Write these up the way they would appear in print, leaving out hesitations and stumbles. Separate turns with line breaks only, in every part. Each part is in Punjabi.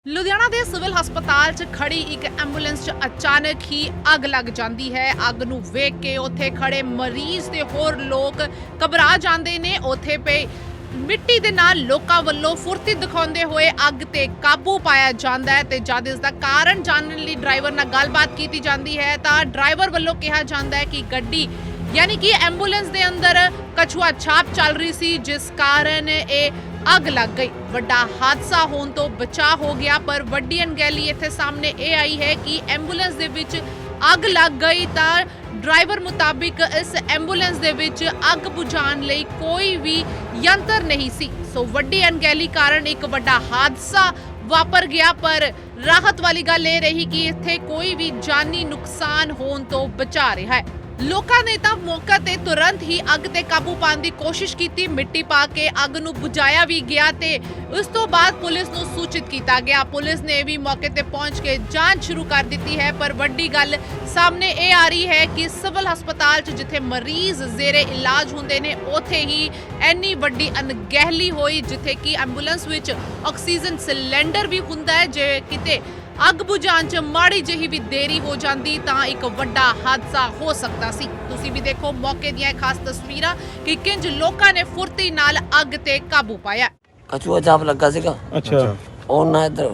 ਲੁਧਿਆਣਾ ਦੇ ਸਿਵਲ ਹਸਪਤਾਲ 'ਚ ਖੜੀ ਇੱਕ ਐਂਬੂਲੈਂਸ 'ਚ ਅਚਾਨਕ ਹੀ ਅੱਗ ਲੱਗ ਜਾਂਦੀ ਹੈ। ਅੱਗ ਨੂੰ ਵੇਖ ਕੇ ਉੱਥੇ ਖੜੇ ਮਰੀਜ਼ ਤੇ ਹੋਰ ਲੋਕ ਘਬਰਾ ਜਾਂਦੇ ਨੇ। ਉੱਥੇ ਪਏ ਮਿੱਟੀ ਦੇ ਨਾਲ ਲੋਕਾਂ ਵੱਲੋਂ ਫੁਰਤੀ ਦਿਖਾਉਂਦੇ ਹੋਏ ਅੱਗ ਤੇ ਕਾਬੂ ਪਾਇਆ ਜਾਂਦਾ ਹੈ ਤੇ ਜਦ ਇਸ ਦਾ ਕਾਰਨ ਜਾਣਨ ਲਈ ਡਰਾਈਵਰ ਨਾਲ ਗੱਲਬਾਤ ਕੀਤੀ ਜਾਂਦੀ ਹੈ ਤਾਂ ਡਰਾਈਵਰ ਵੱਲੋਂ ਕਿਹਾ ਜਾਂਦਾ ਹੈ ਕਿ ਗੱਡੀ यानी कि एंबूलेंस दे अंदर कछुआ छाप चल रही सी जिस कारण ये अग लग गई। वड्डा हादसा होने तो बचा हो गया पर वड्डी अनगैली इत्थे सामने ये आई है कि एंबूलेंस दे विच अग लग गई तो ड्राइवर मुताबिक इस एंबूलेंस दे विच अग बुझाण लई कोई भी यंत्र नहीं सी। सो वड्डी अनगैली कारण एक वड्डा हादसा वापर गया पर राहत वाली गल ये रही कि इत्थे कोई भी जानी नुकसान होने तो बचा रहा है। ਲੋਕਾਂ ਨੇ ਤਾਂ ਮੌਕੇ ਤੇ ਤੁਰੰਤ ਹੀ ਅੱਗ ਤੇ ਕਾਬੂ ਪਾਉਣ ਦੀ ਕੋਸ਼ਿਸ਼ ਕੀਤੀ। ਮਿੱਟੀ ਪਾ ਕੇ ਅੱਗ ਨੂੰ ਬੁਝਾਇਆ ਵੀ ਗਿਆ ਤੇ ਉਸ ਤੋਂ ਬਾਅਦ ਪੁਲਿਸ ਨੂੰ ਸੂਚਿਤ ਕੀਤਾ ਗਿਆ। ਪੁਲਿਸ ਨੇ ਵੀ ਮੌਕੇ ਤੇ ਪਹੁੰਚ ਕੇ ਜਾਂਚ ਸ਼ੁਰੂ ਕਰ ਦਿੱਤੀ ਹੈ ਪਰ ਵੱਡੀ ਗੱਲ ਸਾਹਮਣੇ ਇਹ ਆ ਰਹੀ ਹੈ ਕਿ ਸਿਵਲ ਹਸਪਤਾਲ 'ਚ ਜਿੱਥੇ ਮਰੀਜ਼ ਜ਼ੇਰੇ ਇਲਾਜ ਹੁੰਦੇ ਨੇ ਉੱਥੇ ਹੀ ਇੰਨੀ ਵੱਡੀ ਅਣਗਹਿਲੀ ਹੋਈ ਜਿੱਥੇ ਕਿ ਐਂਬੂਲੈਂਸ ਵਿੱਚ ਆਕਸੀਜਨ ਸਿਲੰਡਰ ਵੀ ਹੁੰਦਾ ਹੈ। ਜੇ ਕਿਤੇ ਅੱਗ ਬੁਝਾਉਣ 'ਚ ਮਾੜੀ ਜਿਹੀ ਵੀ ਦੇਰੀ ਹੋ ਜਾਂਦੀ ਤਾਂ ਇੱਕ ਵੱਡਾ ਹਾਦਸਾ ਹੋ ਸਕਦਾ ਸੀ। ਤੁਸੀਂ ਵੀ ਦੇਖੋ ਮੌਕੇ ਦੀਆਂ ਖਾਸ ਤਸਵੀਰਾਂ ਕਿ ਕਿੰਜ ਲੋਕਾਂ ਨੇ ਫੁਰਤੀ ਨਾਲ ਅੱਗ ਤੇ ਕਾਬੂ ਪਾਇਆ।
ਕਛੂਆ ਚਾਪ ਲੱਗਾ ਸੀਗਾ।
ਅੱਛਾ
ਉਹ ਨਾ ਇੱਧਰ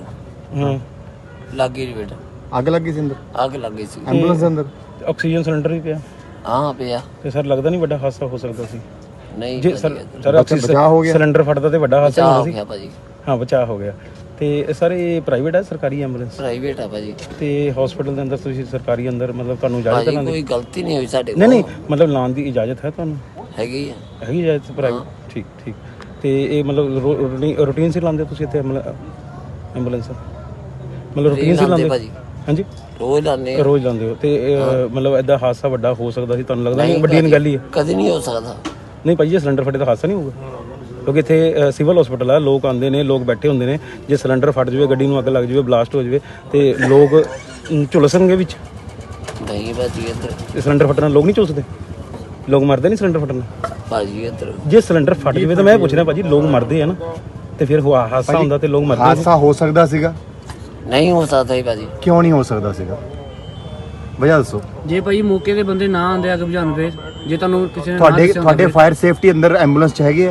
ਲੱਗੀ ਜੀ ਬੇਟਾ।
ਅੱਗ ਲੱਗੀ ਸੀ ਅੰਦਰ,
ਅੱਗ ਲੱਗੀ ਸੀ
ਐਂਬੂਲੈਂਸ ਦੇ ਅੰਦਰ।
ਆਕਸੀਜਨ ਸਿਲੰਡਰ ਵੀ ਪਿਆ
ਹਾਂ ਪਿਆ
ਤੇ ਸਰ ਲੱਗਦਾ ਨਹੀਂ ਵੱਡਾ ਹਾਦਸਾ ਹੋ ਸਕਦਾ ਸੀ।
ਨਹੀਂ
ਜੇ
ਭਾਜੀ,
ਸਰ
ਇੱਧਰ।
ਸਰ ਆਕਸੀਜਨ
ਬਚਾਅ ਹੋ ਗਿਆ।
ਸਿਲੰਡਰ ਫਟਦਾ ਤੇ ਵੱਡਾ ਹਾਦਸਾ
ਬਚਾਅ
ਹੋਣਾ
ਹੋ
ਸੀ।
ਗਿਆ ਭਾਜੀ।
ਹਾਂ ਬਚਾਅ ਹੋ ਗਿਆ। ਤੇ ਸਰ ਇਹ ਪ੍ਰਾਈਵੇਟ ਹੈ ਸਰਕਾਰੀ ਐਂਬੂਲੈਂਸ
ਪ੍ਰਾਈਵੇਟ ਆ ਭਾਜੀ।
ਤੇ ਹਸਪੀਟਲ ਦੇ ਅੰਦਰ ਤੁਸੀਂ ਸਰਕਾਰੀ ਅੰਦਰ ਮਤਲਬ ਤੁਹਾਨੂੰ ਇਜਾਜ਼ਤ
ਭਾਜੀ
ਹੈ ਲਾਉਣ
ਕੋਈ
ਦੀ?
ਗਲਤੀ ਨਹੀਂ ਹੋਈ ਸਾਡੇ
ਨਹੀਂ ਮਤਲਬ ਲਾਉਣ ਦੀ ਇਜਾਜ਼ਤ ਹੈ ਤੁਹਾਨੂੰ?
ਹੈਗੀ ਆ।
ਹੈਗੀ ਇਜਾਜ਼ਤ ਪ੍ਰਾਈਵੇਟ? ਠੀਕ ਤੇ ਇਹ ਮਤਲਬ ਰੂਟੀਨ ਸੀ ਲਾਉਂਦੇ ਤੁਸੀਂ ਇੱਥੇ ਐਂਬੂਲੈਂਸ ਮਤਲਬ ਰੂਟੀਨ ਸੀ ਲਾਉਂਦੇ?
ਭਾਜੀ
ਹਾਂਜੀ
ਰੋਜ਼ ਲਾਉਂਦੇ ਆ।
ਰੋਜ਼ ਲਾਉਂਦੇ ਹੋ ਤੇ ਮਤਲਬ ਐਦਾਂ ਹਾਦਸਾ ਵੱਡਾ ਹੋ ਸਕਦਾ ਸੀ ਤੁਹਾਨੂੰ ਲੱਗਦਾ ਨਹੀਂ? ਵੱਡੀ ਅਣਗਹਿਲੀ ਹੈ।
ਕਦੇ ਨਹੀਂ ਹੋ ਸਕਦਾ।
ਨਹੀਂ ਭਾਈ ਜੇ ਸਿਲੰਡਰ ਫਟੇ ਤਾਂ ਹਾਦਸਾ ਨਹੀਂ ਹੋਊਗਾ ਕਿਉਂਕਿ ਇੱਥੇ ਸਿਵਲ ਹਸਪੀਟਲ ਆ, ਲੋਕ ਆਉਂਦੇ ਨੇ, ਲੋਕ ਬੈਠੇ ਹੁੰਦੇ ਨੇ। ਜੇ ਸਿਲੰਡਰ ਫਟ ਜਾਵੇ, ਗੱਡੀ ਨੂੰ ਅੱਗ ਲੱਗ ਜਾਵੇ, ਬਲਾਸਟ ਹੋ ਜਾਵੇ ਤੇ ਲੋਕ ਝੁਲਸਣਗੇ ਵਿੱਚ।
ਨਹੀਂ ਭਾਜੀ ਇੱਧਰ।
ਤੇ ਸਿਲੰਡਰ ਫਟਣ ਨਾਲ ਲੋਕ ਨਹੀਂ ਝੁਲਸਦੇ? ਲੋਕ ਮਰਦੇ ਨਹੀਂ ਸਿਲੰਡਰ ਫਟਣ ਨਾਲ?
ਭਾਜੀ ਇੱਧਰ
ਜੇ ਸਿਲੰਡਰ ਫਟ ਜਾਵੇ ਤਾਂ ਮੈਂ ਪੁੱਛ ਰਿਹਾ ਭਾਜੀ ਲੋਕ ਮਰਦੇ ਆ ਨਾ ਤੇ ਫਿਰ ਹਾਦਸਾ ਹੁੰਦਾ ਤੇ ਲੋਕ ਮਰਦੇ ਨੇ।
ਹਾਦਸਾ ਹੋ ਸਕਦਾ ਸੀਗਾ?
ਨਹੀਂ ਹੋ ਸਕਦਾ ਹੀ ਭਾਜੀ।
ਕਿਉਂ ਨਹੀਂ ਹੋ ਸਕਦਾ ਸੀਗਾ? ਵਜ੍ਹਾ ਦੱਸੋ।
ਜੇ ਭਾਈ ਮੌਕੇ ਤੇ ਬੰਦੇ ਨਾ ਆਂਦੇ ਅੱਗ ਬੁਝਾਉਣ ਫੇਰ ਜੇ ਤੁਹਾਨੂੰ ਕਿਸੇ ਨੇ
ਤੁਹਾਡੇ ਫਾਇਰ ਸੇਫਟੀ ਅੰਦਰ ਐਂਬੂਲੈਂਸ ਚ ਹੈਗੇ ਆ?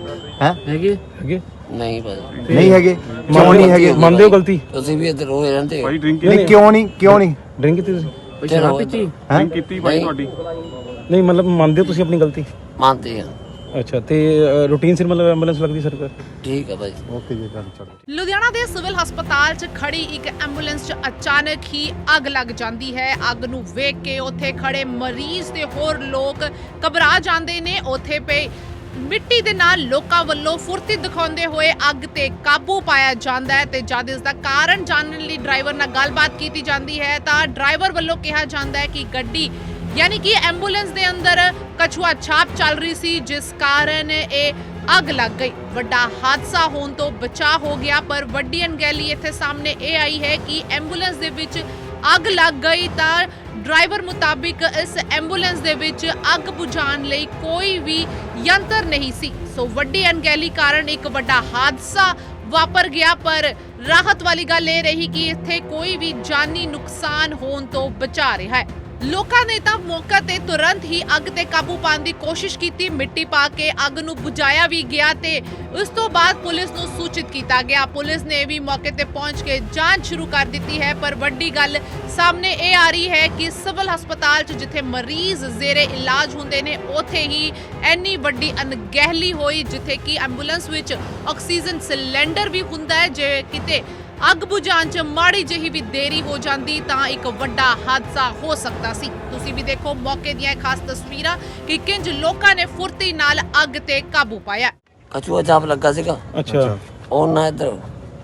ਹੈਗੇ
ਹੈਗੇ
ਨਹੀਂ ਭਾਜੀ।
ਨਹੀਂ ਹੈਗੇ? ਕਿਉਂ ਨਹੀਂ ਹੈਗੇ?
ਮੰਨਦੇ ਹੋ ਗਲਤੀ?
ਤੁਸੀਂ ਵੀ ਇੱਧਰ ਰੋਜ਼ ਰਹਿੰਦੇ ਹੋ।
ਨਹੀਂ ਕਿਉਂ ਨਹੀਂ
ਡਰਿੰਕ ਕੀਤੀ ਤੁਸੀਂ?
ਸ਼ਰਾਬ ਪੀਤੀ?
ਕੀਤੀ ਭਾਈ ਤੁਹਾਡੀ।
ਨਹੀਂ ਮਤਲਬ ਮੰਨਦੇ ਹੋ ਤੁਸੀਂ ਆਪਣੀ ਗਲਤੀ?
ਮੰਨਦੇ ਆ।
ਅੱਛਾ ਤੇ ਰੂਟੀਨ ਸਿਰ ਮਤਲਬ ਐਂਬੂਲੈਂਸ ਲੱਗਦੀ ਸਰਕਾਰ?
ਠੀਕ ਆ ਭਾਜੀ।
ਓਕੇ ਜੀ ਚਲੋ।
ਲੁਧਿਆਣਾ ਦੇ ਸਿਵਲ ਹਸਪਤਾਲ 'ਚ ਖੜੀ ਇੱਕ ਐਂਬੂਲੈਂਸ 'ਚ ਅਚਾਨਕ ਹੀ ਅੱਗ ਲੱਗ ਜਾਂਦੀ ਹੈ। ਅੱਗ ਨੂੰ ਵੇਖ ਕੇ ਉੱਥੇ ਖੜੇ ਮਰੀਜ਼ ਤੇ ਹੋਰ ਲੋਕ ਘਬਰਾ ਜਾਂਦੇ ਨੇ। ਉੱਥੇ ਪਏ ਮਿੱਟੀ ਦੇ ਨਾਲ ਲੋਕਾਂ ਵੱਲੋਂ ਫੁਰਤੀ ਦਿਖਾਉਂਦੇ ਹੋਏ ਅੱਗ ਤੇ ਕਾਬੂ ਪਾਇਆ ਜਾਂਦਾ ਹੈ ਤੇ ਜਦ ਇਸ ਦਾ ਕਾਰਨ ਜਾਣਨ ਲਈ ਡਰਾਈਵਰ ਨਾਲ ਗੱਲਬਾਤ ਕੀਤੀ ਜਾਂਦੀ ਹੈ ਤਾਂ ਡਰਾਈਵਰ ਵੱਲੋਂ ਕਿਹਾ ਜਾਂਦਾ ਹੈ ਕਿ ਗੱਡੀ यानी कि एंबूलेंस दे अंदर कछुआ छाप चल रही सी जिस कारण ये अग लग गई। वड्डा हादसा होने तो बचा हो गया पर वड्डी अनगैली इत्थे सामने ये आई है कि एंबूलेंस दे विच अग लग गई तो ड्राइवर मुताबिक इस एंबूलेंस दे विच अग बुझाण लई कोई भी यंत्र नहीं सी। सो वड्डी अनगैली कारण एक वड्डा हादसा वापर गया पर राहत वाली गल ये रही कि इत्थे कोई भी जानी नुकसान होने तो बचा रहा है। ਲੋਕਾਂ ਨੇ ਤਾਂ ਮੌਕੇ ਤੇ ਤੁਰੰਤ ਹੀ ਅੱਗ ਤੇ ਕਾਬੂ ਪਾਉਣ ਦੀ ਕੋਸ਼ਿਸ਼ ਕੀਤੀ। ਮਿੱਟੀ ਪਾ ਕੇ ਅੱਗ ਨੂੰ ਬੁਝਾਇਆ ਵੀ ਗਿਆ ਤੇ ਉਸ ਤੋਂ ਬਾਅਦ ਪੁਲਿਸ ਨੂੰ ਸੂਚਿਤ ਕੀਤਾ ਗਿਆ। ਪੁਲਿਸ ਨੇ ਵੀ ਮੌਕੇ ਤੇ ਪਹੁੰਚ ਕੇ ਜਾਂਚ ਸ਼ੁਰੂ ਕਰ ਦਿੱਤੀ ਹੈ ਪਰ ਵੱਡੀ ਗੱਲ ਸਾਹਮਣੇ ਇਹ ਆ ਰਹੀ ਹੈ ਕਿ ਸਿਵਲ ਹਸਪਤਾਲ 'ਚ ਜਿੱਥੇ ਮਰੀਜ਼ ਜ਼ੇਰੇ ਇਲਾਜ ਹੁੰਦੇ ਨੇ ਉੱਥੇ ਹੀ ਇੰਨੀ ਵੱਡੀ ਅਣਗਹਿਲੀ ਹੋਈ ਜਿੱਥੇ ਕਿ ਐਂਬੂਲੈਂਸ ਵਿੱਚ ਆਕਸੀਜਨ ਸਿਲੰਡਰ ਵੀ ਹੁੰਦਾ ਹੈ। ਜੇ ਕਿਤੇ ਅੱਗ ਬੁਝਾਉਣ 'ਚ ਮਾੜੀ ਜਿਹੀ ਵੀ ਦੇਰੀ ਹੋ ਜਾਂਦੀ ਤਾਂ ਇੱਕ ਵੱਡਾ ਹਾਦਸਾ ਹੋ ਸਕਦਾ ਸੀ। ਤੁਸੀਂ ਵੀ ਦੇਖੋ ਮੌਕੇ ਦੀਆਂ ਖਾਸ ਤਸਵੀਰਾਂ ਕਿ ਕਿੰਜ ਲੋਕਾਂ ਨੇ ਫੁਰਤੀ ਨਾਲ ਅੱਗ ਤੇ ਕਾਬੂ ਪਾਇਆ।
ਕਛੂਆ ਚਾਪ ਲੱਗਾ ਸੀਗਾ।
ਅੱਛਾ
ਉਹ ਨਾ ਇੱਧਰ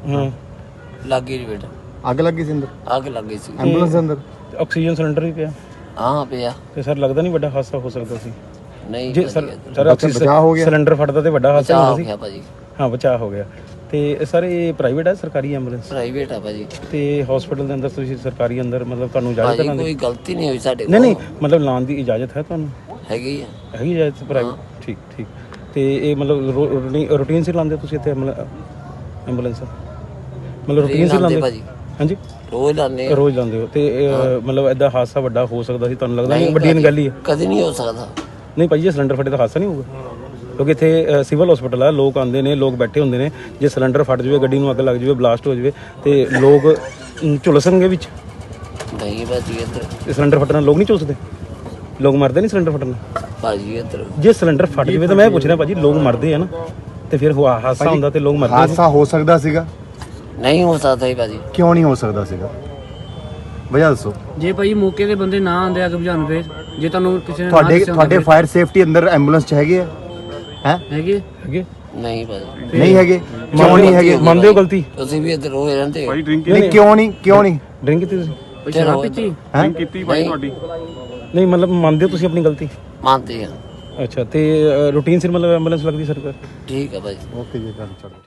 ਲੱਗੀ ਜੀ ਬੇਟਾ।
ਅੱਗ ਲੱਗੀ ਸੀ ਅੰਦਰ,
ਅੱਗ ਲੱਗੀ ਸੀ
ਐਂਬੂਲੈਂਸ ਦੇ ਅੰਦਰ।
ਆਕਸੀਜਨ ਸਿਲੰਡਰ ਵੀ ਪਿਆ
ਹਾਂ ਪਿਆ
ਤੇ ਸਰ ਲੱਗਦਾ ਨਹੀਂ ਵੱਡਾ ਹਾਦਸਾ ਹੋ ਸਕਦਾ ਸੀ।
ਨਹੀਂ
ਜੇ
ਭਾਜੀ
ਸਰ
ਇੱਧਰ।
ਸਰ ਆਕਸੀਜਨ
ਬਚਾਅ ਹੋ ਗਿਆ।
ਸਿਲੰਡਰ ਫਟਦਾ ਤੇ ਵੱਡਾ ਹਾਦਸਾ
ਬਚਾਅ
ਹੋਣਾ
ਹੋ
ਸੀ।
ਗਿਆ ਭਾਜੀ।
ਹਾਂ ਬਚਾਅ ਹੋ ਗਿਆ। ਤੇ ਸਰ ਇਹ ਪ੍ਰਾਈਵੇਟ ਹੈ ਸਰਕਾਰੀ ਐਂਬੂਲੈਂਸ?
ਪ੍ਰਾਈਵੇਟ ਆ ਭਾਜੀ।
ਤੇ ਹਸਪੀਟਲ ਦੇ ਅੰਦਰ ਤੁਸੀਂ ਸਰਕਾਰੀ ਅੰਦਰ ਮਤਲਬ ਤੁਹਾਨੂੰ ਇਜਾਜ਼ਤ ਹੈ
ਭਾਜੀ
ਲਾਉਣ ਦੀ?
ਕੋਈ ਗਲਤੀ ਨਹੀਂ ਹੋਈ ਸਾਡੇ
ਨਹੀਂ ਮਤਲਬ ਲਾਉਣ ਦੀ ਇਜਾਜ਼ਤ ਹੈ ਤੁਹਾਨੂੰ?
ਹੈਗੀ ਆ।
ਹੈਗੀ ਇਜਾਜ਼ਤ ਪ੍ਰਾਈਵੇਟ? ਠੀਕ ਤੇ ਇਹ ਮਤਲਬ ਰੂਟੀਨ ਸਿਰ ਲਾਉਂਦੇ ਤੁਸੀਂ ਇੱਥੇ ਐਂਬੂਲੈਂਸ ਮਤਲਬ ਰੂਟੀਨ ਸੀ ਲਾਉਂਦੇ
ਭਾਜੀ
ਹਾਂਜੀ
ਰੋਜ਼ ਲਾਉਂਦੇ ਆ।
ਰੋਜ਼ ਲਾਉਂਦੇ ਹੋ ਤੇ ਮਤਲਬ ਐਦਾਂ ਹਾਦਸਾ ਵੱਡਾ ਹੋ ਸਕਦਾ ਸੀ ਤੁਹਾਨੂੰ ਲੱਗਦਾ ਨਹੀਂ ਵੱਡੀ ਗੱਲ ਹੀ ਹੈ
ਕਦੇ ਨਹੀਂ ਹੋ ਸਕਦਾ।
ਨਹੀਂ ਭਾਈ ਜੇ ਸਿਲੰਡਰ ਫਟੇ ਤਾਂ ਹਾਦਸਾ ਨਹੀਂ ਹੋਊਗਾ ਕਿਉਂਕਿ ਇੱਥੇ ਸਿਵਲ ਹਸਪੀਟਲ ਆ ਲੋਕ ਆਉਂਦੇ ਨੇ ਲੋਕ ਬੈਠੇ ਹੁੰਦੇ ਨੇ ਜੇ ਸਿਲੰਡਰ ਫਟ ਜਾਵੇ ਗੱਡੀ ਨੂੰ ਅੱਗ ਲੱਗ ਜਾਵੇ ਬਲਾਸਟ ਹੋ ਜਾਵੇ ਤੇ ਲੋਕ ਝੁਲਸਣਗੇ ਵਿੱਚ
ਨਹੀਂ ਭਾਜੀ ਇੱਧਰ
ਤੇ ਸਿਲੰਡਰ ਫਟਣ ਨਾਲ ਲੋਕ ਨਹੀਂ ਝੁਲਸਦੇ ਲੋਕ ਮਰਦੇ ਨਹੀਂ ਸਿਲੰਡਰ ਫਟਣ ਨਾਲ
ਭਾਜੀ ਇੱਧਰ
ਜੇ ਸਿਲੰਡਰ ਫਟ ਜਾਵੇ ਤਾਂ ਮੈਂ ਇਹ ਪੁੱਛ ਰਿਹਾ ਭਾਜੀ ਲੋਕ ਮਰਦੇ ਆ ਨਾ ਤੇ ਫਿਰ ਹਾਦਸਾ ਹੁੰਦਾ ਤੇ ਲੋਕ ਮਰਦੇ
ਹਾਦਸਾ ਹੋ ਸਕਦਾ ਸੀਗਾ
ਨਹੀਂ ਹੋ ਸਕਦਾ ਹੀ ਭਾਜੀ।
ਕਿਉਂ ਨਹੀਂ ਹੋ ਸਕਦਾ ਸੀਗਾ ਵਜ੍ਹਾ ਦੱਸੋ
ਜੇ ਭਾਈ ਮੌਕੇ ਤੇ ਬੰਦੇ ਨਾ ਆਉਂਦੇ ਅੱਗ ਬੁਝਾਉਣ ਫੇਰ ਜੇ ਤੁਹਾਨੂੰ ਕਿਸੇ ਨੇ ਨਾ
ਤੁਹਾਡੇ
ਦੱਸਿਆ ਹੁੰਦਾ
ਤੁਹਾਡੇ ਫਾਇਰ ਸੇਫਟੀ ਅੰਦਰ ਐਂਬੂਲੈਂਸ ਚ ਹੈਗੇ ਆ ਹੈ
ਹੈਗੇ
ਹੈਗੇ
ਨਹੀਂ ਭਾਜੀ
ਨਹੀਂ ਹੈਗੇ ਕਿਉਂ ਨਹੀਂ ਹੈਗੇ
ਮੰਨਦੇ ਹੋ ਗਲਤੀ
ਤੁਸੀਂ ਵੀ ਇੱਧਰ ਰੋਜ਼ ਰਹਿੰਦੇ ਹੋ।
ਨਹੀਂ ਕਿਉਂ ਨਹੀਂ
ਡਰਿੰਕ ਕੀਤੀ ਤੁਸੀਂ
ਕੋਈ ਸ਼ਰਾਬ ਪੀਤੀ
ਹੈ
ਨਹੀਂ ਮਤਲਬ ਮੰਨਦੇ ਹੋ ਤੁਸੀਂ ਆਪਣੀ ਗਲਤੀ
ਮੰਨਦੇ ਆ।
ਅੱਛਾ ਤੇ ਰੂਟੀਨ ਸਿਰ ਮਤਲਬ ਐਂਬੂਲੈਂਸ ਲੱਗਦੀ ਸਰਕਾਰ
ਠੀਕ ਆ ਭਾਜੀ।
ਓਕੇ ਜੀ ਗੱਲ ਚਲੋ